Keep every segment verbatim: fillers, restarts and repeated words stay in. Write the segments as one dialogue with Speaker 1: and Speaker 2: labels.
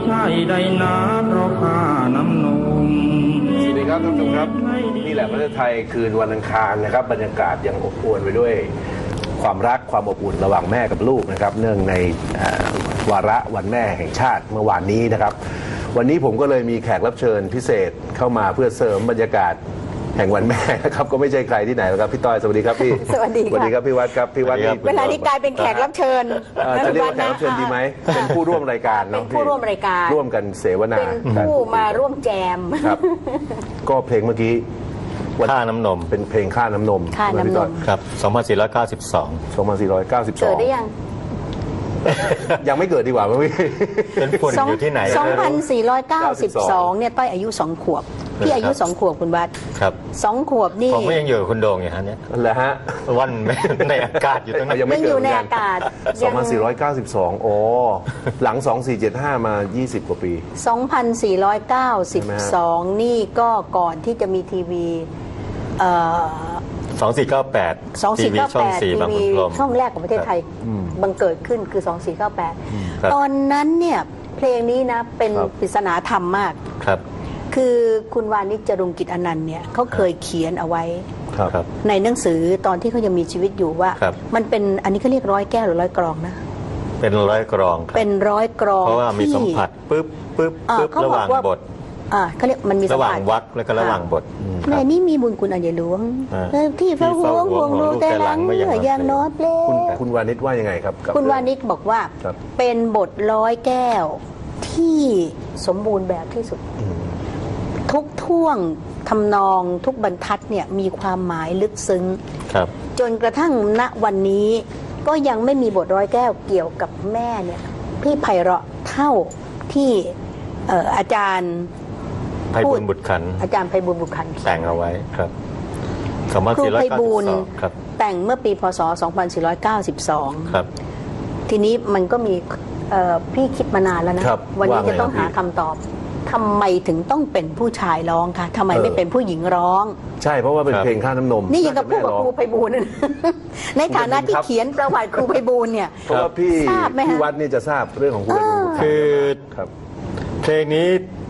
Speaker 1: ใช่ได้นะเพราะข้าน้ำนม
Speaker 2: สวัสดีครับท่านผู้ชมครับนี่แหละประเทศไทยคืนวันอังคารนะครับบรรยากาศยังอบอวลไปด้วยความรักความอบอุ่นระหว่างแม่กับลูกนะครับเนื่องในวาระวันแม่แห่งชาติเมื่อวานนี้นะครับวันนี้ผมก็เลยมีแขกรับเชิญพิเศษเข้ามาเพื่อเสริมบรรยากาศแห่งวันแม่นะครับก็ไม่ใช่ใครที่ไหนแล้วครับพี่ต้อยสวัสดีครับพี่
Speaker 3: สวัสดี
Speaker 2: สวัสดีครับพี่วัดครับพี่วัด
Speaker 3: เวลานี้กลายเป็นแขกรับเชิญ
Speaker 2: จะเรียกว่าแขกรับเชิญดีไหมเป็นผู้ร่วมรายการเนาะ
Speaker 3: เป็นผู้ร่วมรายการ
Speaker 2: ร่วมกันเสวนา
Speaker 3: เป็นผู้มาร่วมแจม
Speaker 2: ครับก็เพลงเมื่อกี้
Speaker 4: ค่าน้ำนม
Speaker 2: เป็นเพลงค่าน้ำนม
Speaker 3: ค่าน้ำนม
Speaker 4: ครับสองพันสี่ร้อยเก้าสิบสอง
Speaker 2: สองพันสี่ร้อยเก้าสิบสอง
Speaker 3: เกิดได้ยัง
Speaker 2: ยังไม่เกิดดีกว่าพี่
Speaker 4: เป็นคนอยู่ที่ไหน
Speaker 3: สองพันสี่ร้อยเก้าสิบสองเนี่ยต้อยอายุสองขวบพี่อายุสองขวบคุณวัด
Speaker 4: ครับ
Speaker 3: สองขวบนี่
Speaker 4: ผมก็ยังอยู่คุณโด่งอย่างนี้
Speaker 2: นั่นแหละฮะ
Speaker 4: วันในอากาศอยู่ตรงนั้น
Speaker 3: ยังอยู่ในอากาศ
Speaker 2: สองพันสี่ร้อยเก้าสิบสองโอ้หลังสองพันสี่ร้อยเจ็ดสิบห้ามายี่สิบกว่าปี
Speaker 3: สองพันสี่ร้อยเก้าสิบสองนี่ก็ก่อนที่จะมีทีวีเอ่อ
Speaker 4: สองสี่เก้าแปด
Speaker 3: สองสี่เก้าแปดทีวีช่องแรกของประเทศไทยบังเกิดขึ้นคือสองสี่เก้าแปดตอนนั้นเนี่ยเพลงนี้นะเป็นปริศนาธรรมมาก
Speaker 4: ครับ
Speaker 3: คือคุณวานิช จรุงกิจอนันต์เนี่ยเขาเคยเขียนเอาไว้ในหนังสือตอนที่เขายังมีชีวิตอยู่ว่ามันเป็นอันนี้เขาเรียกร้อยแก้วหรือร้อยกรองนะ
Speaker 4: เป็นร้อยกรอง
Speaker 3: เป็นร้อยกรอง
Speaker 4: เพราะว่ามีสัมผัสปึ๊บปึ๊บปึ๊บระหว่างบท
Speaker 3: อ่าเขาเรียกมันมี
Speaker 4: ระหว่างวรรคและก็ระหว่างบท
Speaker 3: ในนี้มีบุญคุณอันใหญ่หลวงที่พระห่วงห่วงดูแต่หลังเมื่อยังน้อยเปล่
Speaker 2: าคุณวานิชว่ายังไงครับ
Speaker 3: คุณวานิชบอกว่าเป็นบทร้อยแก้วที่สมบูรณ์แบบที่สุดทุกท่วงทำนองทุกบรรทัดเนี่ยมีความหมายลึกซึ้งจนกระทั่งณวันนี้ก็ยังไม่มีบทร้อยแก้วเกี่ยวกับแม่เนี่ยที่ไพเราะเท่าที่อาจารย์
Speaker 4: ไพบูลย์บุตรขันธ์
Speaker 3: อาจารย์ไพบูลย์บุตรขันธ์
Speaker 4: แต่งเอาไว้ครับ
Speaker 3: ครูไพบูลย์แต่งเมื่อปีพศสองพันสี่ร้อยเก้าสิบสอง
Speaker 4: ครับ
Speaker 3: ทีนี้มันก็มีพี่คิดมานานแล้วนะวันนี้จะต้องหาคำตอบทำไมถึงต้องเป็นผู้ชายร้องคะทำไมไม่เป็นผู้หญิงร้อง
Speaker 2: ใช่เพราะว่าเป็นเพลงค่าน้ำนม
Speaker 3: นี่ยังกับพูดกับครูไพบูลย์ในฐานะที่เขียนประวัติครูไพบูลย์เนี่ย
Speaker 2: เพราะว่าพี่พี่วัดนี่จะทราบเรื่องของครูไพบูลย์
Speaker 4: คือเพลงนี้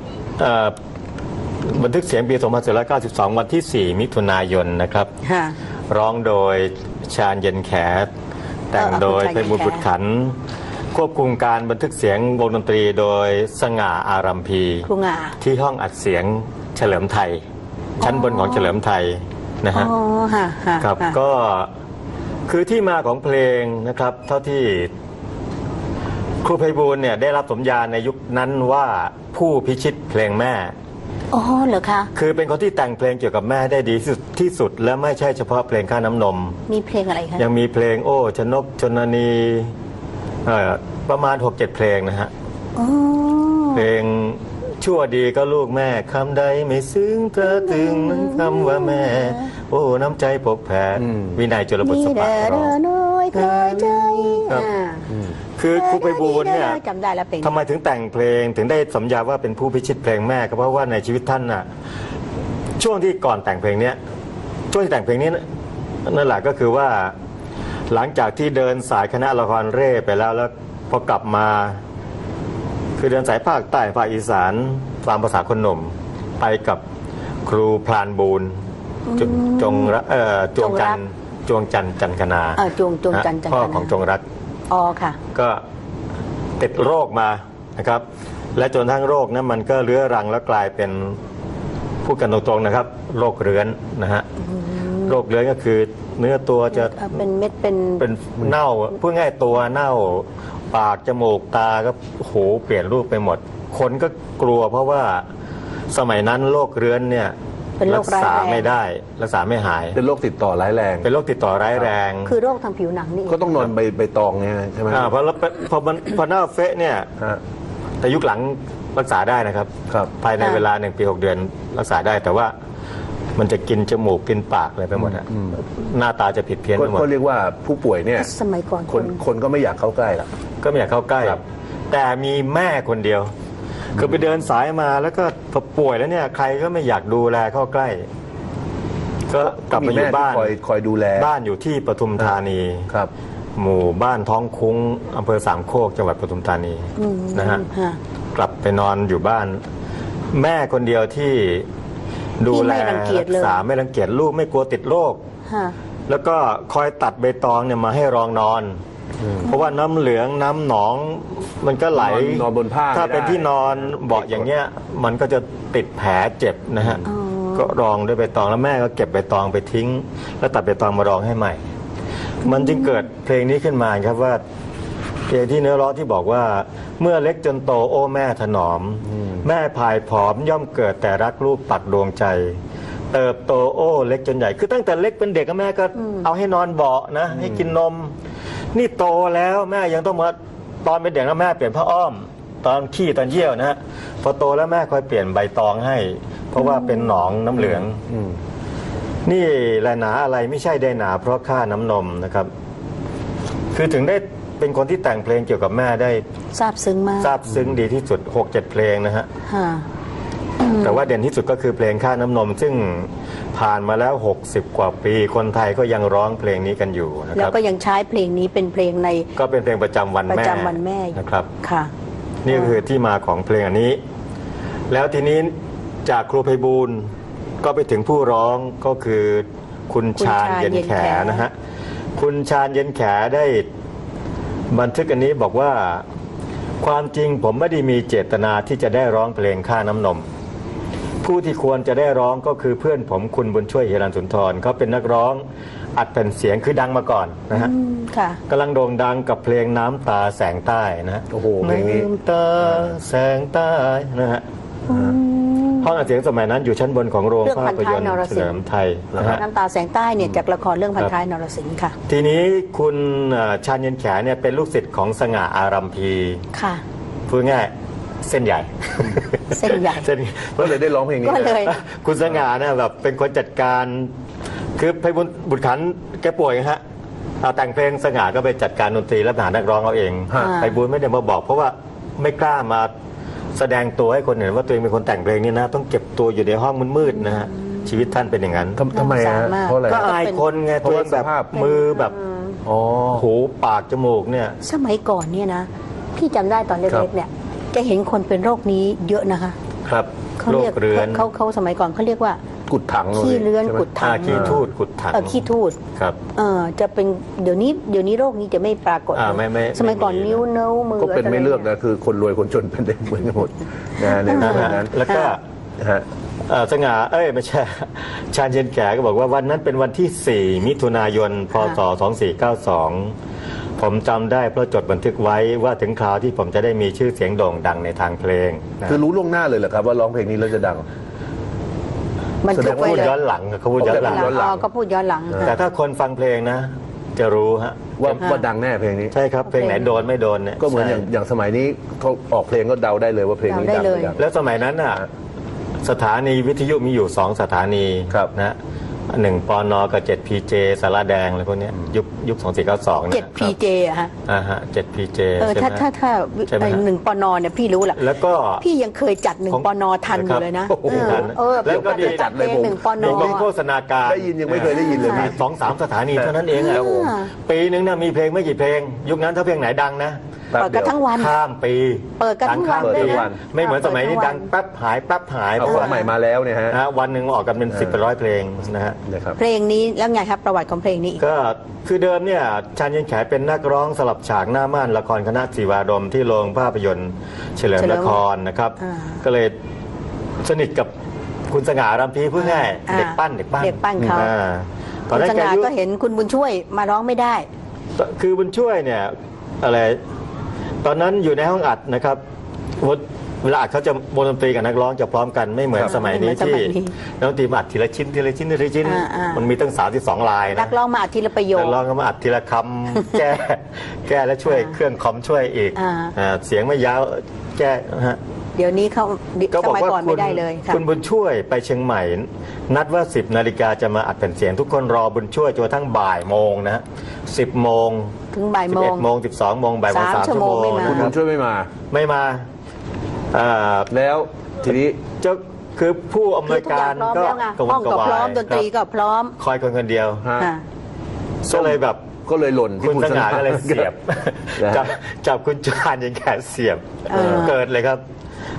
Speaker 4: บันทึกเสียงปีสองพันสี่ร้อยเก้าสิบสองวันที่สี่มิถุนายนนะครับร้องโดยชาญเย็นแขแต่งโดยไพบูลย์บุตรขันธ์ควบคุมการบันทึกเสียงวงดนตรีโดยสง่าอารัมพีที่ห้องอัดเสียงเฉลิมไทยชั้นบนของเฉลิมไทยนะฮะครับก็คือที่มาของเพลงนะครับเท่าที่ครูไพบูลย์เนี่ยได้รับสมญาในยุคนั้นว่าผู้พิชิตเพลงแม่
Speaker 3: อ๋อเหรอคะ
Speaker 4: คือเป็นคนที่แต่งเพลงเกี่ยวกับแม่ได้ดีที่สุดและไม่ใช่เฉพาะเพลงค่าน้ำนม
Speaker 3: มีเพลงอะไรคะ
Speaker 4: ยังมีเพลงโอ้ชนกชนนีประมาณ หกเจ็ด เพลงนะฮะเพลงชั่วดีก็ลูกแม่คำใดไม่ซึ้งเธอถึงนั้นคำว่าแม่โอ้น้ำใจปกแผ่วินัยจุลบุตรสปะร้องคือครูไพบูลย์เนี่ยทำไมถึงแต่งเพลงถึงได้สัญญาว่าเป็นผู้พิชิตเพลงแม่ก็เพราะว่าในชีวิตท่านน่ะช่วงที่ก่อนแต่งเพลงนี้ช่วงที่แต่งเพลงนี้นั่นแหละก็คือว่าหลังจากที่เดินสายคณะละครเร่ไปแล้วแล้วพอกลับมาคือเดินสายภาคใต้ภาคอีสานตามภาษาคนหนุ่มไปกับครูพลานบูลย์จงเอ่อจวงจันจวงจันจันคณา
Speaker 3: จวงจวงจันจันคณา
Speaker 4: พ่อของจงรัก
Speaker 3: อ๋อค่ะ
Speaker 4: ก็ติดโรคมานะครับและจนทั้งโรคนั้นมันก็เรื้อรังแล้วกลายเป็นพูดกันตรงๆนะครับโรคเรื้อนนะฮะโรคเรื้อนก็คือเนื้อตัวจะ
Speaker 3: เป็นเม็ดเป็น
Speaker 4: เป็นเน่าพูดง่ายตัวเน่าปากจมูกตาก็โหเปลี่ยนรูปไปหมดคนก็กลัวเพราะว่าสมัยนั้นโรคเรื้อนเนี่ยรักษาไม่ได้รักษาไม่หาย
Speaker 2: เป็นโรคติดต่อร้ายแรง
Speaker 4: เป็นโรคติดต่อร้ายแรง
Speaker 3: คือโรคทางผิวหนังนี่
Speaker 2: ก็ต้องนอนใบใบตองไงใช่ไหม
Speaker 4: เพราะพอมันพอหน้าเฟะเนี่ยแต่ยุคหลังรักษาได้นะครับภายในเวลาหนึ่งปีหกเดือนรักษาได้แต่ว่ามันจะกินจมูกกินปากอะไรไปหมดอะหน้าตาจะผิดเพี้ยนไปหมด
Speaker 2: ก็เรียกว่าผู้ป่วยเนี่ย
Speaker 3: สมัยก่อน
Speaker 2: คนคนก็ไม่อยากเข้าใกล้หรอก
Speaker 4: ก็ไม่อยากเข้าใกล้แต่มีแม่คนเดียวคือไปเดินสายมาแล้วก็พอป่วยแล้วเนี่ยใครก็ไม่อยากดูแลเข้าใกล้ก็กลับมาอยู่บ้าน
Speaker 2: คอยคอยดูแล
Speaker 4: บ้านอยู่ที่ปทุมธานี
Speaker 2: ครับ
Speaker 4: หมู่บ้านท้องคุ้งอำเภอสามโคกจังหวัดปทุมธานีนะฮะกลับไปนอนอยู่บ้าน แม่คนเดียวที่ดูแลรักษาไม่รังเกียจลูกไม่กลัวติดโรคแล้วก็คอยตัดใบตองเนี่ยมาให้รองนอนเพราะว่าน้ำเหลืองน้ำหนองมันก็ไหล
Speaker 2: นอนบนผ้า
Speaker 4: ถ้าเป็นที่นอนเบาะอย่างเงี้ยมันก็จะติดแผลเจ็บนะฮะก็รองด้วยใบตองแล้วแม่ก็เก็บใบตองไปทิ้งแล้วตัดใบตองมารองให้ใหม่มันจึงเกิดเพลงนี้ขึ้นมาครับว่าเพลงที่เนื้อร้องที่บอกว่าเมื่อเล็กจนโตโอ้แม่ถนอมแม่พายผอมย่อมเกิดแต่รักลูกปักดวงใจเติบโตโอ้เล็กจนใหญ่คือตั้งแต่เล็กเป็นเด็กแม่ก็เอาให้นอนเบาะนะให้กินนมนี่โตแล้วแม่ยังต้องมาตอนเป็นเด็กแล้วแม่เปลี่ยนผ้าอ้อมตอนขี้ตอนเยี่ยวนะฮะพอโตแล้วแม่คอยเปลี่ยนใบตองให้เพราะว่าเป็นหนองน้ำเหลืองนี่แหละหนาอะไรไม่ใช่ได้หนาเพราะค่าน้ำนมนะครับคือถึงได้เป็นคนที่แต่งเพลงเกี่ยวกับแม่ได้
Speaker 3: ซาบซึ้งมาก
Speaker 4: ซาบซึ้งดีที่สุด หกเจ็ด เพลงนะฮะแต่ว่าเด่นที่สุดก็คือเพลงค่าน้ำนมซึ่งผ่านมาแล้วหกสิบกว่าปีคนไทยก็ยังร้องเพลงนี้กันอยู่นะครับ
Speaker 3: แล้วก็ยังใช้เพลงนี้เป็นเพลงใน
Speaker 4: ก็เป็นเพลงประจำวันแม่
Speaker 3: ประจำวันแม่
Speaker 4: นะครับ
Speaker 3: ค่ะ
Speaker 4: นี่คือที่มาของเพลงอันนี้แล้วทีนี้จากครูไพบูลย์ก็ไปถึงผู้ร้องก็คือคุณชาญเย็นแขนะฮะคุณชาญเย็นแขได้บันทึกอันนี้บอกว่าความจริงผมไม่ได้มีเจตนาที่จะได้ร้องเพลงค่าน้ำนมผู้ที่ควรจะได้ร้องก็คือเพื่อนผมคุณบุญช่วยเฮรัญสุนทรเขาเป็นนักร้องอัดแผ่นเสียงคือดังมาก่อนนะฮะกำลังโด่งดังกับเพลงน้ำตาแสงใต้นะ
Speaker 2: โอ้โหเพลงนี้
Speaker 4: น้ำตาแสงใต้นะฮะห้องอัดเสียงสมัยนั้นอยู่ชั้นบนของโรงภาพยนตร์เฉลิมไทย
Speaker 3: น้ำตาแสงใต้เนี่ยจากละครเรื่องพันท้ายนรสิงห์ค่ะ
Speaker 4: ทีนี้คุณชาญเย็นแขเนี่ยเป็นลูกศิษย์ของสง่าอารัมพี
Speaker 3: ค่ะ
Speaker 4: พูดง่ายเส้นใหญ่
Speaker 3: เส้นใหญ่
Speaker 2: ก็เลยได้ร้องเพลงนี้
Speaker 3: ก็เลย
Speaker 4: คุณสง่าเนี่ยแบบเป็นคนจัดการคือไพบุญบุตรขันแกป่วยฮะเอาแต่งเพลงสง่าก็ไปจัดการดนตรีและหานักร้องเอาเองไพบุญไม่ได้มาบอกเพราะว่าไม่กล้ามาแสดงตัวให้คนเห็นว่าตัวเองเป็นคนแต่งเพลงนี้นะต้องเก็บตัวอยู่ในห้องมืดๆนะฮะชีวิตท่านเป็นอย่างนั้น
Speaker 2: ทำไมฮะเพราะอะไร
Speaker 4: ก็อายคนไงตัวเองแบบมือแบบหูปากจมูกเนี่ย
Speaker 3: สมัยก่อนเนี่ยนะพี่จำได้ตอนเล็กๆเนี่ยจะเห็นคนเป็นโรคนี้เยอะนะคะ
Speaker 4: ครับ
Speaker 3: เขาเรียกเขาเขาสมัยก่อนเขาเรียกว่า
Speaker 2: กุดถัง
Speaker 3: ขี้เลื้อนกุดถัง
Speaker 4: ขี้ทูดกุดถัง
Speaker 3: เออขี้ทูด
Speaker 4: ครับ
Speaker 3: เออจะเป็นเดี๋ยวนี้เดี๋ยวนี้โรคนี้จะไม่ปรากฏสมัยก่อนนิ้วเนื้อมือ
Speaker 2: ก็เป็นไม่เลือกนะคือคนรวยคนจนเป็นได้เหมือนกันหมดนะในนั้น
Speaker 4: แล้วก็สง่าเอ้ยไม่ใช่ชาญเย็นแขก็บอกว่าวันนั้นเป็นวันที่สี่มิถุนายนพศสองสี่เก้าสองผมจำได้เพราะจดบันทึกไว้ว่าถึงคราวที่ผมจะได้มีชื่อเสียงโด่งดังในทางเพลง
Speaker 2: คือรู้ล่วงหน้าเลยเหรอครับว่าร้องเพลงนี้แล้วจะดัง
Speaker 3: มัน
Speaker 4: จะพูดย้อนหลังเขาพูดย้อนหลัง
Speaker 3: ก็พูดย้อนหลัง
Speaker 4: แต่ถ้าคนฟังเพลงนะจะรู้ฮะ
Speaker 2: ว่าว่าดังแน่เพลงนี้
Speaker 4: ใช่ครับเพลงไหนโดนไม่โดนเนี่ย
Speaker 2: ก็เหมือนอย่างอย่างสมัยนี้เขาออกเพลงก็เดาได้เลยว่าเพลงนี้ดัง
Speaker 4: แล้วสมัยนั้นอ่ะสถานีวิทยุมีอยู่สองสถานีนะหนึ่งปนกับเจ็ดพีเจสาราแดงอะไรพวกนี้ยุคยุคสองสี่เก้าสอง
Speaker 3: เจ็ดพีเจอะฮะ
Speaker 4: อ่าฮะเจ็ดพีเจ
Speaker 3: เออถ้าถ้าถ้าหนึ่งปนเนี่ยพี่รู้แหละ
Speaker 4: แล้วก็
Speaker 3: พี่ยังเคยจัดหนึ่งปนทันอยู่เลยนะเออ
Speaker 4: แล้วก็ดี
Speaker 3: จัดเลยหนึ่งปน
Speaker 4: มีโฆษณาการ
Speaker 2: ได้ยินยังไม่เคยได้ยินเลย
Speaker 4: มีสองสามสถานีเท่านั้นเองอะปีนึงเนี่ยมีเพลงไม่กี่เพลงยุคนั้นถ้าเพลงไหนดังนะ
Speaker 3: เปิดกันทั้งวัน
Speaker 4: ข้ามปี
Speaker 3: เปิดกันทั้งวันเลยนะ
Speaker 4: ไม่เหมือนสมัยนี้ดังแป๊บหายแป๊บหาย
Speaker 2: เอาของใหม่มาแล้วเนี่ยฮะ
Speaker 4: วันหนึ่งออกกันเป็นสิบเป็นร้อยเพลงนะฮะ
Speaker 3: เพลงนี้แล้วไงครับประวัติของเพลงนี้
Speaker 4: ก็คือเดิมเนี่ยชาญเย็นแขเป็นนักร้องสลับฉากหน้าม่านละครคณะศิวาดมที่โรงภาพยนตร์เฉลิมละครนะครับก็เลยสนิทกับคุณสง่ารัมพีพูดง่ายเด็กปั้นเด็กปั้น
Speaker 3: เด็กปั้นเขาตอนนั้นสง่าก็เห็นคุณบุญช่วยมาร้องไม่ได้
Speaker 4: คือบุญช่วยเนี่ยอะไรตอนนั้นอยู่ในห้องอัดนะครับเวลาอัดเขาจะวงดนตรีกับนักร้องจะพร้อมกันไม่เหมือนสมัยนี้ที่นักดนตรีมาอัดทีละชิ้นทีละชิ้นทีละชิ้นมันมีตั้งสามสิบสองลาย
Speaker 3: นักร้องมาอัดทีละประโยค
Speaker 4: นักร้องก็มาอัดทีละคำแก้แก้แล้วช่วยเครื่องคอมช่วยอีกเสียงไม่ยาวแก้ฮะ
Speaker 3: เดี๋ยวนี้เขา
Speaker 4: ก็บอกว่าคุณคุณบุญช่วยไปเชียงใหม่นัดว่าสิบนาฬิกาจะมาอัดแผ่นเสียงทุกคนรอบุญช่วยจนทั้งบ่ายโมงนะสิบโมง
Speaker 3: ถึงบ่ายโมง
Speaker 4: สิบเอ็ดโมงสิบสองโมงบ่ายโมงสามชั่วโมง
Speaker 2: คุณบุญช่วยไม่มา
Speaker 4: ไม่มา
Speaker 2: แล้วทีนี้
Speaker 4: เจ้าคือผู้อำนวยการก็
Speaker 3: ห้องก็พร้อมดนตรีก็พร้อม
Speaker 4: คอยคนคนเดียวก็เลยแบบ
Speaker 2: ก็เลยหล่น
Speaker 4: คุณสง่าก็เลยเสียบจับจับคุณชาญเย็นแขเสียบเกิดเลยครับ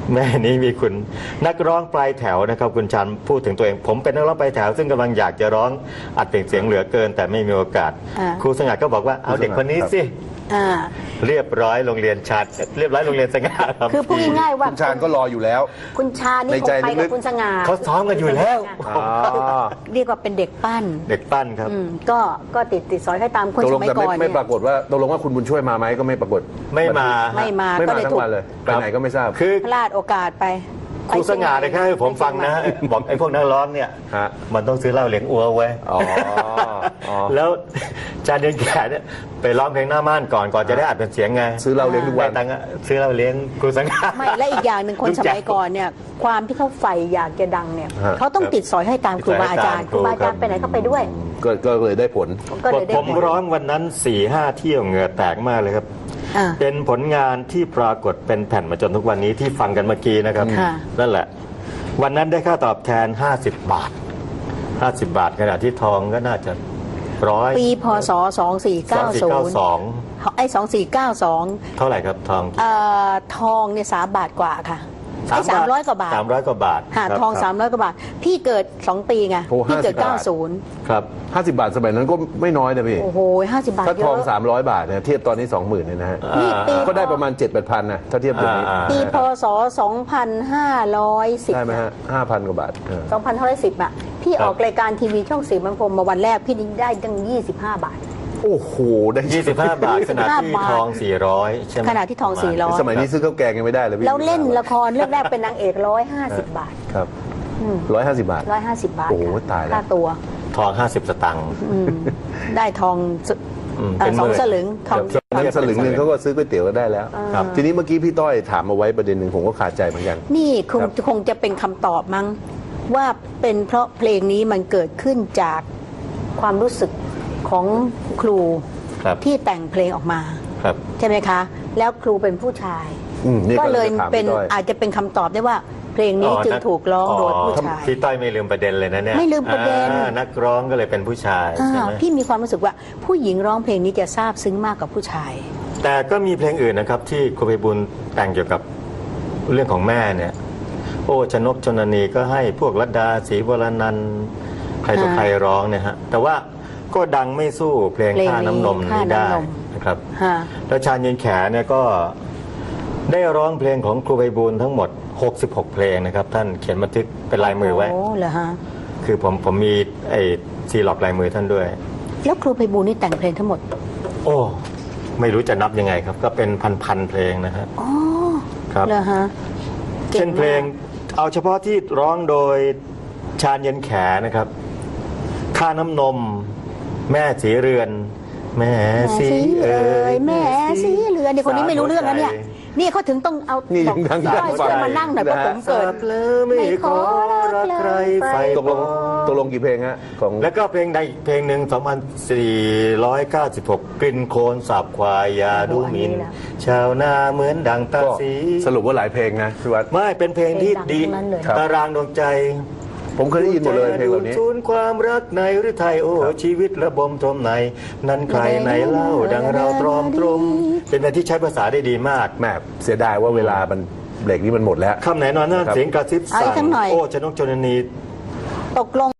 Speaker 4: แม่นี้มีคุณนักร้องปลายแถวนะครับคุณชันพูดถึงตัวเอง ผมเป็นนักร้องปลายแถวซึ่งกำลังอยากจะร้องอัดเสียงเหลือเกินแต่ไม่มีโอกาส
Speaker 3: อ่า
Speaker 4: ครูสง่าก็บอกว่าเอาเด็กคนนี้สิ
Speaker 3: อ่า
Speaker 4: เรียบร้อยโรงเรียนชาญเรียบร้อยโรงเรียนสง่ารับ
Speaker 3: คือพูดง่ายๆว่า
Speaker 2: คุณชาญก็รออยู่แล้ว
Speaker 3: คุณชาญนี่
Speaker 2: ใน
Speaker 3: ค
Speaker 2: ใจ
Speaker 3: งไป
Speaker 2: ลึ
Speaker 3: กับ
Speaker 2: กๆ
Speaker 3: คุณสง่า
Speaker 4: เขาซ้อมกันอยู่แล้ว
Speaker 2: อ๋อ
Speaker 3: เรียกว่าเป็นเด็กปั้น
Speaker 4: เด็กปั้นครับ
Speaker 3: อืมก็ก็ติดติดสอยให้ตามคน
Speaker 2: ตก
Speaker 3: ส
Speaker 2: ลง
Speaker 3: มัย
Speaker 2: แต่
Speaker 3: ก่
Speaker 2: ไม่
Speaker 3: อน
Speaker 2: ไม่
Speaker 3: เนี่ย
Speaker 2: ปรากฏว่าตกลงว่าคุณบุญช่วยมาไหมก็ไม่ปรากฏ
Speaker 4: ไม่มา
Speaker 3: ไม่มา
Speaker 2: ไม่
Speaker 3: ก็
Speaker 2: มา
Speaker 3: เลย
Speaker 2: ทั้
Speaker 3: ถู
Speaker 2: ง
Speaker 3: ก
Speaker 2: วันเลยไปไหนก็ไม่ทราบ
Speaker 4: คือ
Speaker 3: พลาดโอกาสไป
Speaker 4: ครูสง่าเนี่ยแค่ให้ผมฟังนะ บอกไอ้พวกนักร้องเนี่ย
Speaker 2: ฮะ
Speaker 4: มันต้องซื้อเหล้าเลี้ยงอัวไว้
Speaker 2: อ๋ออ๋อ
Speaker 4: แล้วจานเดียนแก่เนี่ยไปร้องเพลงหน้าม่านก่อนก่อนจะได้อัดเป็นเสียงไง
Speaker 2: ซื้อเหล้าเลี้ยงทุกวัน
Speaker 4: ได้ตังค์อะซื้อเหล้าเลี้ยงครูสง่า
Speaker 3: ไม่และอีกอย่างหนึ่งคน
Speaker 4: ลูก
Speaker 3: ส
Speaker 4: แจ๋ว
Speaker 3: มัยก่อนเนี่ยความที่เขาใฝ่อยากจะดังเนี่ย
Speaker 2: ฮะ
Speaker 3: เขาต้องติดสอยให้ตามครูบาอาจารย์
Speaker 4: ติ
Speaker 3: ค
Speaker 4: ดส
Speaker 3: รู
Speaker 4: อยให้
Speaker 3: บา
Speaker 4: ตาม
Speaker 3: อาจารย์ไปไหนก็ไปด้วย
Speaker 2: ก็ก็เลยได้ผล
Speaker 3: ก็เลยได้
Speaker 4: ผม
Speaker 3: ผล
Speaker 4: ร้องวันนั้นสี่ห้าเที่ยวเหงื่อแตกมากเลยครับ
Speaker 3: อ่า
Speaker 4: เป็นผลงานที่ปรากฏเป็นแผ่นมาจนทุกวันนี้ที่ฟังกันเมื่อกี้นะครับ
Speaker 3: ค่ะ
Speaker 4: นั่นแหละ วันนั้นได้ค่าตอบแทน ห้าสิบบาท ห้าสิบบาทขณะที่ทองก็น่าจะร้อย
Speaker 3: ปีพศสองสี่เก้าศูนย์
Speaker 4: สอง
Speaker 3: ไอ้สองสี่เก้าสอง
Speaker 4: เท่าไหร่ครับทอง
Speaker 3: เอ่อทองเนี่ยสามบาทกว่าค่ะไอ้สามร้อยกว่าบาท
Speaker 4: สามร้อยกว่าบาท
Speaker 3: ค่ะ
Speaker 4: ครับ
Speaker 3: ทองสามร้อยกว่าบาท พี่เกิดสองปีไง
Speaker 2: โอ้
Speaker 3: พี่เกิด
Speaker 2: ห้าสิบบาท
Speaker 3: เก้าศูนย์
Speaker 4: ครับ
Speaker 2: ห้าสิบบาทสมัยนั้นก็ไม่น้อยนะพี่
Speaker 3: โอ้โหห้าสิบบาท
Speaker 2: ถ้า
Speaker 3: เย
Speaker 2: ทอง
Speaker 3: อะ
Speaker 2: สามร้อยบาทเนี่ยเทียบตอนนี้สองหมื่นเนี่ยนะฮะ
Speaker 3: นี่ปี
Speaker 2: ก็ได้ประมาณเจ็ดแปดพันนะถ้าเทียบเดี๋ยวนี้
Speaker 4: อ่า
Speaker 3: ปีพศสองพันห้าร้อยสิบ
Speaker 2: ได้ไหมฮะห้าพันกว่าบาทเออ
Speaker 3: สองพันห้าร้อยสิบอ่ะพี่
Speaker 4: ครับ
Speaker 3: ออกรายการทีวีช่องสีมันพรมมาวันแรกพี่ได้ตั้งยี่สิบห้าบาท
Speaker 2: โอ้โหได้
Speaker 4: ยี่สิบห้าบาทขณะที่
Speaker 3: บาท
Speaker 4: ทองสี่ร้อยใช่ไหม
Speaker 3: ขณะที่ทองสี่ร้อย
Speaker 2: สมัยนี้ซื้อข้าวแกงยังไม่ได้เลยพี่
Speaker 3: แล้วเล่นละครเรื่องแรกเป็นนางเอกร้อยห้าสิบบาท
Speaker 2: ครับร้อยห้าสิบบาท
Speaker 3: ร้อยห้าสิบบาท
Speaker 2: โอ้โห
Speaker 3: ค่ะ
Speaker 2: ตายแล้ว
Speaker 3: ค่าตัว
Speaker 4: ทองห้าสิบสตังค์
Speaker 3: อืมได้ทองส
Speaker 4: อืม
Speaker 3: เอ่อ
Speaker 4: เป็นห
Speaker 3: สอง
Speaker 4: มื่น
Speaker 3: สลึงทอง
Speaker 2: สมัยนั้นสลึงหนึ่งเขาก็ซื้อก๋วยเตี๋ยวก็ได้แล้ว
Speaker 4: ครับ
Speaker 2: ทีนี้เมื่อกี้พี่ต้อยถามเอาไว้ประเด็นหนึ่งผมก็ขาดใจเหมือนกัน
Speaker 3: นี่คง
Speaker 2: ครับ
Speaker 3: คงจะเป็นคำตอบมั้งว่าเป็นเพราะเพลงนี้มันเกิดขึ้นจากความรู้สึกของครู
Speaker 4: ครับ
Speaker 3: ที่แต่งเพลงออกมา
Speaker 4: ครับ
Speaker 3: ใช่ไหมคะ แล้วครูเป็นผู้ชาย
Speaker 2: อืมนี่
Speaker 3: ก็เลย
Speaker 2: กำลังจะถาม
Speaker 3: เป็น
Speaker 2: พี่ต้อย
Speaker 3: อาจจะเป็นคำตอบได้ว่าเพลงนี้จึงถูกร้องโดยผู้ชาย
Speaker 4: พี่ต้อยไม่ลืมประเด็นเลยนะเนี่ย
Speaker 3: ไม่ลืมประเด็น
Speaker 4: อ่านักร้องก็เลยเป็นผู้ชาย
Speaker 3: อ่า
Speaker 4: ใช่ไหม
Speaker 3: พี่มีความรู้สึกว่าผู้หญิงร้องเพลงนี้จะซาบซึ้งมากกว่าผู้ชาย
Speaker 4: แต่ก็มีเพลงอื่นนะครับ ที่ครูไพบุญแต่งเกี่ยวกับเรื่องของแม่เนี่ย โอ้ชนกชนนีก็ให้พวกรัตดาศรีวรนันท์ใครต่อใครร้องเนี่ยฮะแต่ว่าก็ดังไม่สู้เพลง
Speaker 3: เพลงนี้
Speaker 4: ค่าน้ำนม
Speaker 3: ค่า
Speaker 4: นี้ได้
Speaker 3: น้ำนม
Speaker 4: นะครับ
Speaker 3: ฮะ
Speaker 4: แล้วชาญเย็นแขเนี่ยก็ได้ร้องเพลงของครูไพบูลย์ทั้งหมดหกสิบหกเพลงนะครับท่านเขียนบันทึกเป็นลายมือไว้
Speaker 3: โอ้เหรอฮะ
Speaker 4: คือผมผมมีไอ้ซีล็อกลายมือท่านด้วย
Speaker 3: แล้วครูไพบูลย์นี่แต่งเพลงทั้งหมด
Speaker 4: โอ้ ไม่รู้จะนับยังไงครับ ก็เป็นพันๆเพลงนะฮะ
Speaker 3: อ๋อ
Speaker 4: ครับ
Speaker 3: เหรอฮะก่ง
Speaker 4: เช่นเพลง
Speaker 3: มาก
Speaker 4: เอาเฉพาะที่ร้องโดยชาญเย็นแขนะครับค่าน้ำนม แม่สีเรือน แม่
Speaker 3: แม่
Speaker 4: สี
Speaker 3: สี
Speaker 4: เอ๋
Speaker 3: เอ่
Speaker 4: ย
Speaker 3: ยแม่สีเรือนเนี่ยคนนี้ไม่รู้เรื่องนะเนี่ย นี่เขาถึงต้องเอา
Speaker 2: นี่
Speaker 3: บอก
Speaker 2: ดังๆ
Speaker 3: ต้อย
Speaker 2: ฟัง
Speaker 3: ช่วยมานั่งหน่อยเพราะผมเกิด
Speaker 4: แล้วไม่ขอรักใครไฟ
Speaker 2: ตกลงตกลงกี่เพลงฮะของ
Speaker 4: แล้วก็เพลงใดอีกเพลงหนึ่งสองพันสี่ร้อยเก้าสิบหกกลิ่นโคลนสาบควายยาดูหมิน
Speaker 3: โอ้อันนี้นะ
Speaker 4: ชาวนาเหมือนดังตา
Speaker 2: ก็
Speaker 4: สี
Speaker 2: สรุปว่าหลายเพลงนะพี่วัด
Speaker 4: ไม่เป็นเพลงที่ดี
Speaker 3: เพลงดังทั้งนั้นเลย
Speaker 4: ตารางดวงใจ
Speaker 2: ผมเคยได้ยินหมดเลยเพลงเหล่านี้
Speaker 4: ศูนย์ความรักในหรือไทยโอ้ชีวิตระบมทมใน นั้นใครในเล่าดังเราตรอมตรม เป็นเพลงที่ใช้ภาษาได้ดีมาก
Speaker 2: แม่เสียดายว่าเวลามันเบรกนี้มันหมดแล้ว
Speaker 4: คำไหนนอนนั่น
Speaker 2: ครับ
Speaker 4: เสียงกระซิบ
Speaker 3: เอาอี
Speaker 4: สั่
Speaker 3: กสักหน่อย
Speaker 4: โอ้ชนกชนนี
Speaker 3: ตกลง